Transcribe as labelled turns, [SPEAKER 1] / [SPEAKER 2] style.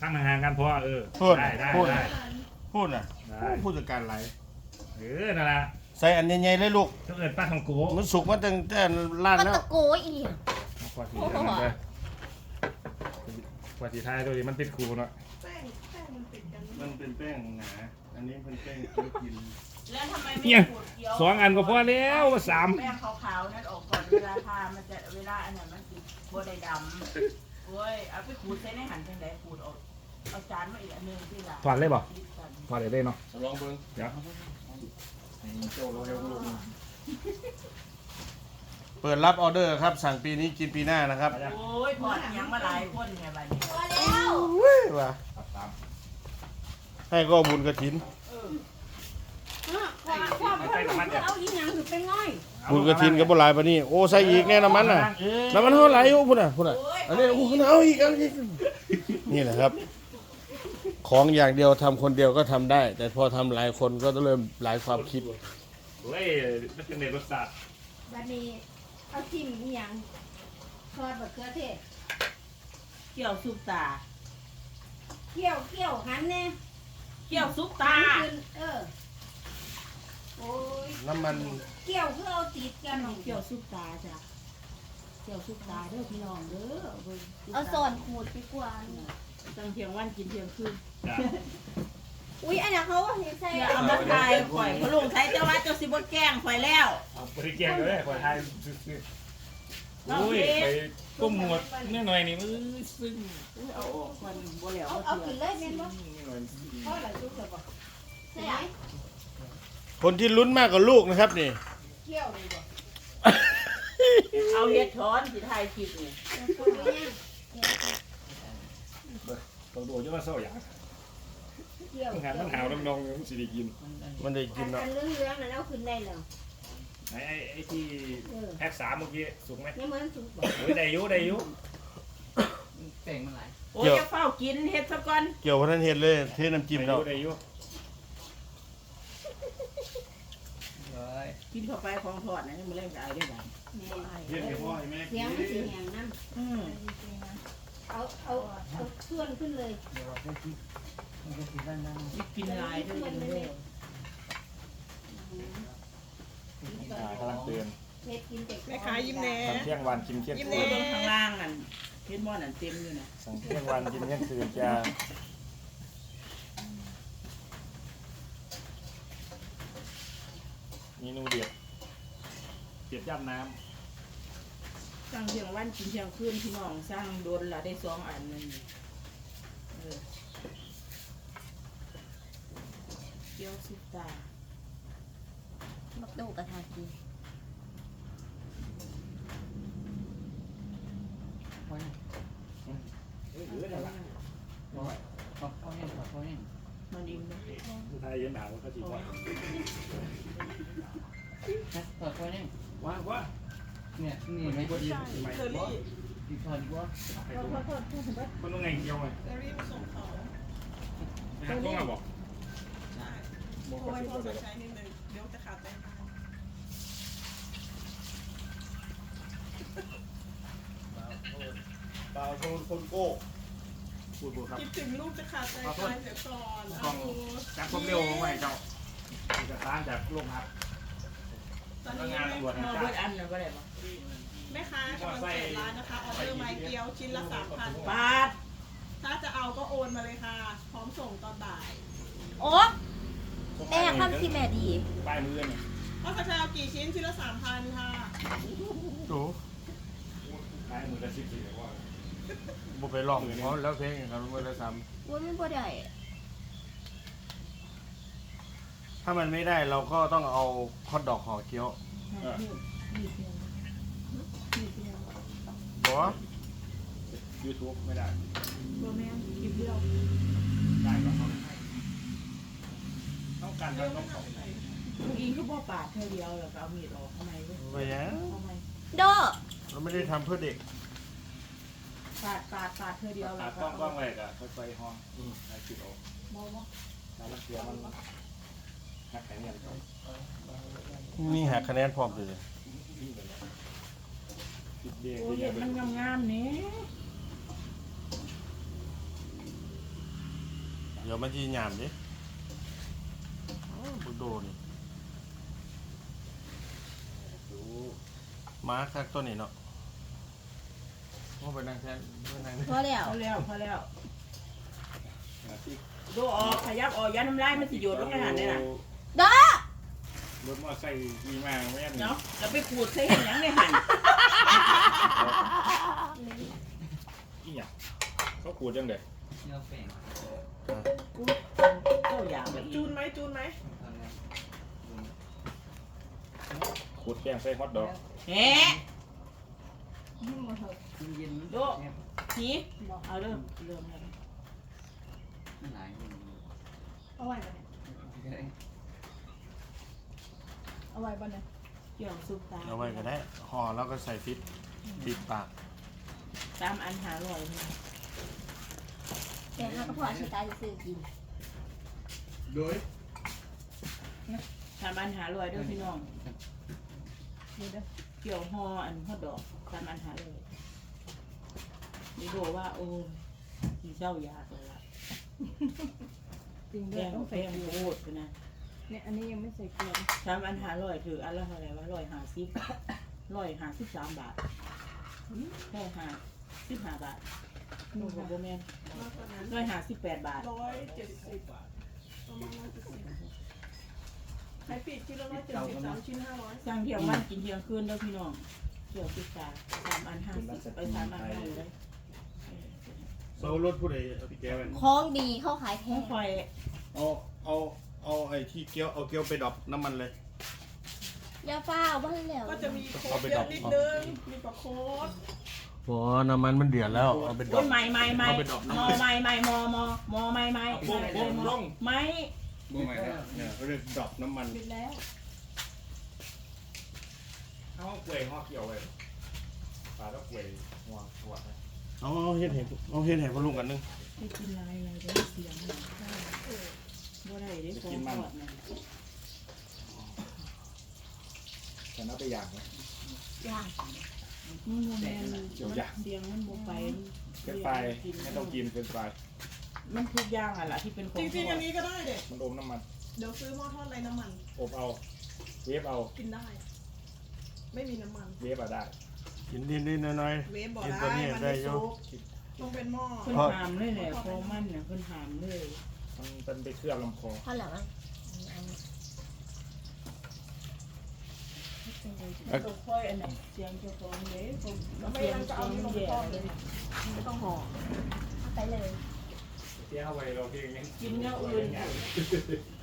[SPEAKER 1] ตั้งห่างกันเพราะ
[SPEAKER 2] พูด
[SPEAKER 1] ได้
[SPEAKER 2] พูดน่ะพูดจากการไร
[SPEAKER 1] นั่นแหละ
[SPEAKER 2] ใส่อันใหญ่ๆเลยลูก
[SPEAKER 1] ถ้าเกิดป้าทองโก้
[SPEAKER 2] มันสุกมาตั้งแต่ร้านแล้ว
[SPEAKER 3] ตะโกอี
[SPEAKER 1] กว่าสีไทยตัวนี้มันติดคูเนาะ
[SPEAKER 4] แป้งมันติดกัน
[SPEAKER 2] มันเป็นแป้งหนาอันนี้เป็นแป้งกิน
[SPEAKER 5] แล้วทำไมไม่ขูดเกี๊ยว
[SPEAKER 1] 2 อันก็พอแล้ว3
[SPEAKER 5] แป้งขาวๆนั่นออกก่อนเวลาทามันจะเวลาอันนั้นมันติดโบได้ดำโอ้ยเอาไปขูดใส่ในหั่นจังไดขูดออกเอาจานมาอีกอันนึงที่ละ
[SPEAKER 1] ถอดเลยบ่ถอดเลยเนาะ
[SPEAKER 2] ลองเบิ่ง
[SPEAKER 1] เดี๋ยวโจ้เราเร็วลูก
[SPEAKER 2] เปิดรับออเดอร์ครับสั่งปีนี้กินปีหน้านะครับ
[SPEAKER 5] โอ้ยพอดยังมาหลายคนไงบัดนี้
[SPEAKER 3] พอแล้ว
[SPEAKER 2] ว่ะให้ก็บุญกระถิน
[SPEAKER 3] เอาอีหยังคือเป็นง่อย
[SPEAKER 2] บุญกระถินกับบุหลายปะนี่โอ้ใส่อีกแน่น้ำมันน่ะน้ำมันเท่าไหร่โอ้พุ่นน่ะอันนี้โอ้เอาอีกนี่แหละครับของอย่างเดียวทำคนเดียวก็ทำได้แต่พอทำหลายคนก็ต้องเริ่มหลายความคิด
[SPEAKER 1] เฮ้ยมันเป็นรสชาติ
[SPEAKER 3] บัดนี้เอาจิ้มอีหยังทอดมะเขือเทศ
[SPEAKER 5] เกี๊ยวซุปตา
[SPEAKER 3] เคี่ยวหันแน่
[SPEAKER 5] เกี๊ยวซุปตา
[SPEAKER 3] โอ้ย
[SPEAKER 2] น้ำมัน
[SPEAKER 3] เกี่ยวคือเอาติดกัน
[SPEAKER 5] เกี๊ยวซุปตาจ้ะเกี๊ยวซุปตาเด้อพี่น้องเด้อ
[SPEAKER 3] เอาส่วนขูดไปกว่า
[SPEAKER 5] ตั้งเที่ยงวันกินเที่ยงคืน
[SPEAKER 3] อุ้ยอันนั้นเขาใส่
[SPEAKER 5] เอามาทายข่อยพลุงใช้เจ้าว่าเจ้าสิบ่แกล้งข่อยแล้ว
[SPEAKER 1] บริแกงเลยข่อยทายอุ้ยไปก้มหมดนิดหน่อยนี่มือซึ่ง
[SPEAKER 5] เอาออกคนบ่แล้ว
[SPEAKER 3] เอากินเลยแม่นบ่เพราะอะไรซุกเลยบ่ใช่ไหม
[SPEAKER 2] คนที่ลุ้นมากกว่าลูกนะครับนี่
[SPEAKER 3] เกี่ยวเลยบ่
[SPEAKER 5] เอาเฮ็ดช้อนสิถ่ายคลิปนี่
[SPEAKER 1] ตัวโดจะมาเศร้าอย่างงานมันหาวน้องๆมันสิได้กิน
[SPEAKER 2] มันได้กินเนาะ
[SPEAKER 3] อันเรื่องนั้นเอาขึ้นได้แล้ว
[SPEAKER 1] ไอ้ที่แพ็ค3เมื่อกี้สุกไหม
[SPEAKER 3] ยังมันสุกบ่
[SPEAKER 1] โอ้ยได้อยู่
[SPEAKER 5] แป้งมันหลายโอ้ยจะเฝ้ากินเฮ็ดซะก่อน
[SPEAKER 2] เกี่ยวพนันเฮ็ดเลยเทน้ำจิ้มเรา
[SPEAKER 1] ได้อยู่
[SPEAKER 5] กินเข้าไปของทอดนะยังไม่เล่นกับไอ้ด้วยกัน
[SPEAKER 1] เยี่ยมพ่อแม่
[SPEAKER 3] เสียงมันสีแหงน้ำเอาส่วนขึ้นเลย
[SPEAKER 5] กินลายด้วยเลย
[SPEAKER 1] กำลังเตือน
[SPEAKER 4] แม่ค้ายิ้มแน่
[SPEAKER 1] เที่ยงวันกินเที่ยงคืน
[SPEAKER 5] ข้างล่างนั่นเห็นหม้อนั่นเต็มอยู่นะ
[SPEAKER 1] สั่งเที่ยงวันกินเที่ยงคืนจะเมนูเด็ดย่ำน้
[SPEAKER 5] ำสั่งเที่ยงวันกินเที่ยงคืนพี่น้องสั่งโดนละได้2 อันนั่นเกี๊ยวซุปตา
[SPEAKER 3] บักโดกระทากี
[SPEAKER 5] มันอิ่มนะ
[SPEAKER 1] ไทยยันหนาวก็จีบว่า
[SPEAKER 5] เปิดไฟนี่
[SPEAKER 1] ว่า
[SPEAKER 5] เนี่ยนี่ไม่ดี
[SPEAKER 4] ไม่ดี
[SPEAKER 5] ดีพอดีว่า
[SPEAKER 1] คนต้องไงเกี่ยวไง
[SPEAKER 4] เซรี่มาส่งของ
[SPEAKER 1] ต้องมาบอก
[SPEAKER 4] ใช่โอ้ยพอใช้นิดนึงเดี๋ยวจะขาดแป้ง
[SPEAKER 2] เปล่าโชว์คนโก้
[SPEAKER 1] พูดครับ
[SPEAKER 4] คิดถึงลูกจะขาดใจตายเสียก่อน
[SPEAKER 1] จับความเร็วของไงเจ้าจะต้านจากโรงพัก
[SPEAKER 4] ตอนนี้งานตำรวจนะจ๊ะแม่ค้ากำลังเปิดร้านนะคะออเดอร์ไม้เกี๊ยวชิ้นละ 3,000 บาทถ้าจะเอาก็โอนมาเลยค่ะพร้อมส่งตอนบ่าย
[SPEAKER 3] โอ้แม่คำที่แม่ดี
[SPEAKER 1] ป้ายมือเนี่ย
[SPEAKER 4] ก็จะเอากี่ชิ้นชิ้นละ 3,000 ค่ะ
[SPEAKER 2] โอ้
[SPEAKER 1] ป้ายมือละ14เลยว่า
[SPEAKER 2] บุไปลองเขาแล้วเพลงกันมือละ3
[SPEAKER 3] ว่าไม่บ่ได้
[SPEAKER 2] ถ้ามันไม่ได้เราก็ต้องเอาฮอทดอกห่อเกี๊ยวบัว
[SPEAKER 1] YouTube ไม่ได้
[SPEAKER 5] บัวแม่คลิปเดียว
[SPEAKER 1] ได้ก็ต้องการทำต้องของ
[SPEAKER 5] ลูกอิงคือบ่ปาดเท่าเดียวแล้วก็เอามีดออกทำไมเว้ย
[SPEAKER 2] ไปยัง
[SPEAKER 3] โด
[SPEAKER 2] เราไม่ได้ทำเพื่อเด็ก
[SPEAKER 5] ปาดเท่าเดียวแล้วก็
[SPEAKER 1] กล้องแรกอะค่อยๆห้องไอ้จิตโอ้แล้วรักเกียวมันหักคะแนน
[SPEAKER 2] นี่หักคะแนนพร้อมเลย
[SPEAKER 5] โอ้ยมันงามๆนี่
[SPEAKER 2] เดี๋ยวมันจะหยามดิโอ้บุโดนี่มาคักตัวนี้เนาะโอ้ไปนั่งแทนไปนั่งนี่
[SPEAKER 3] พอแล้ว
[SPEAKER 5] พอแล้วดูออกขยับออกยันน้ำลายมันสิโยดลงในหันเลยน่ะ
[SPEAKER 3] ด้าร
[SPEAKER 1] ถมอไซค์ดีมากไม่ยัน
[SPEAKER 5] เนาะแล้วไปขูดใส่เห็นยังในหัน
[SPEAKER 1] อีหยังเขาขูดจังเด็ด
[SPEAKER 5] เจ้าอย่างแบบ
[SPEAKER 4] จูนไหมจูนไหม
[SPEAKER 1] ขูดแป้งใส่ฮอทดอก
[SPEAKER 5] เฮ้
[SPEAKER 3] นี่หมดเถอะ
[SPEAKER 5] ดูทีเอาเริ่มเลย
[SPEAKER 3] เอาไว้ก่อนเนี่ยเอาไว้ก่อนเนี่ย
[SPEAKER 5] เกี่ยวซุปตา
[SPEAKER 2] เอาไว้ก็ได้ห่อแล้วก็ใส่ฟิตปิดปาก
[SPEAKER 5] ตามอันหาร่อย
[SPEAKER 3] แต่ถ้าก็พออาชีพตายจะซื้อกิน
[SPEAKER 2] โดย
[SPEAKER 5] ตามอันหาร่อยด้วยพี่น้อง
[SPEAKER 3] เดี๋ยวเด้อ
[SPEAKER 5] เกี่ยวห่ออันฮอดดอกตามอันหาร่อยนี่ดูว่าโอ้ที่เจ้ายาตัวละ
[SPEAKER 3] จริง
[SPEAKER 5] แพ
[SPEAKER 3] ด้วย
[SPEAKER 5] ง
[SPEAKER 3] ต้อง
[SPEAKER 5] แพ
[SPEAKER 3] ใส่
[SPEAKER 5] ง
[SPEAKER 3] เกลือ
[SPEAKER 5] โคตรนะ
[SPEAKER 3] เนี่ยอันนี้ยังไม่ใส่เกลือ
[SPEAKER 5] ตามอันหาร่อยถืออันละเท่าไหร่วะ150 153 บาทแค่15 บาทโอ้โหโบแมน
[SPEAKER 4] มากกว่านั้น
[SPEAKER 5] 158 บาท
[SPEAKER 4] 170 บาทประมาณ170ใครปิดชิ้นละ170 3ชิ้น500
[SPEAKER 5] สร้างเที่ยงวันกินเที่ยงคืนเด้อพี่น้องเที่ยวพิซซ่า3 อัน50ไป3 อัน50เลย
[SPEAKER 2] โซรถผู้ใดเอาพี่แก้ว
[SPEAKER 3] ของดีเข้าขายแพ
[SPEAKER 5] แค่
[SPEAKER 3] ง
[SPEAKER 5] ไฟ
[SPEAKER 2] เอาไอ้ที่เกี๊ยวเอาเกี๊ยวไปดรอปน้ำมันเลย
[SPEAKER 3] ยาฟ้าเอาบ้านแล้ว
[SPEAKER 4] ก็จะมีโค้ดเยอะนิดนึงมีปลาโค้ด
[SPEAKER 2] โอ้น้ำมันมันเดือดแล้วเอาไปดร
[SPEAKER 5] โอ้
[SPEAKER 2] อป
[SPEAKER 5] ยไม่
[SPEAKER 2] เอาไปดรอปน้ำมัน
[SPEAKER 5] ไม่ไม่ไม่
[SPEAKER 1] บุ้งบุ้งลง
[SPEAKER 5] ไม่
[SPEAKER 1] บุ้งไหมครับ
[SPEAKER 2] เนี่ยเขาเรียกดรอปน้ำมัน
[SPEAKER 3] ปิดแล้ว
[SPEAKER 1] เอากล้วยห่อเกี่ยวไว้ปลาแล้วกล้วยหัวหัวนะ
[SPEAKER 2] เอาเฮ็ดเห็ดเอาเฮ็ดเห็ดพะลุงกันนึง
[SPEAKER 5] ไปกินอะไรอะไรได้เสียงบ่ได้ได้ของทอดนะ
[SPEAKER 1] แต่น่าไปอย่างนะ
[SPEAKER 3] ย่าง
[SPEAKER 5] มันโมแมนเสียงมันโมไป
[SPEAKER 1] เป็นไฟไม่ต้องกินเป็นไฟ
[SPEAKER 5] มันทุกอย่างอ่ะล่ะที่เป็นของ
[SPEAKER 4] จริงๆอันนี้ก็ได้เด็ก
[SPEAKER 1] มันอมน้ำมัน
[SPEAKER 4] เดี๋ยวซื้อหม้อทอดไร้น้ำมัน
[SPEAKER 1] อบเอาเวฟเอา
[SPEAKER 4] กินได้ ไม่มีน้ำมัน
[SPEAKER 1] เวฟอะได้
[SPEAKER 2] กินนิดๆหน่อย
[SPEAKER 4] เวฟบอก
[SPEAKER 2] กิน
[SPEAKER 4] ได้
[SPEAKER 2] ตัวนี้
[SPEAKER 4] มัน
[SPEAKER 2] ได้
[SPEAKER 4] ไม่
[SPEAKER 2] อยู่
[SPEAKER 4] ซุกต้องเป็นหม้อ
[SPEAKER 5] เพิ่นถามเลยแหละของมันน่ะเพิ่นถามเลย
[SPEAKER 1] มันเป็นไปเคลือบลำคอ
[SPEAKER 3] พอแล้วมั้ง
[SPEAKER 5] ตัวค่อยอันไหนเสียงเจ้าของเลยผม
[SPEAKER 4] แล้วไม่
[SPEAKER 5] เสียง
[SPEAKER 4] งั้นก็เอานี่ลงไป
[SPEAKER 5] แย่
[SPEAKER 4] ทอด
[SPEAKER 5] เล
[SPEAKER 4] เลย ย
[SPEAKER 3] ไม่ต้องห่อเอาไปเลย
[SPEAKER 1] เที่ยวไว้เราเพียงยัง
[SPEAKER 5] กินเนื้ออื่น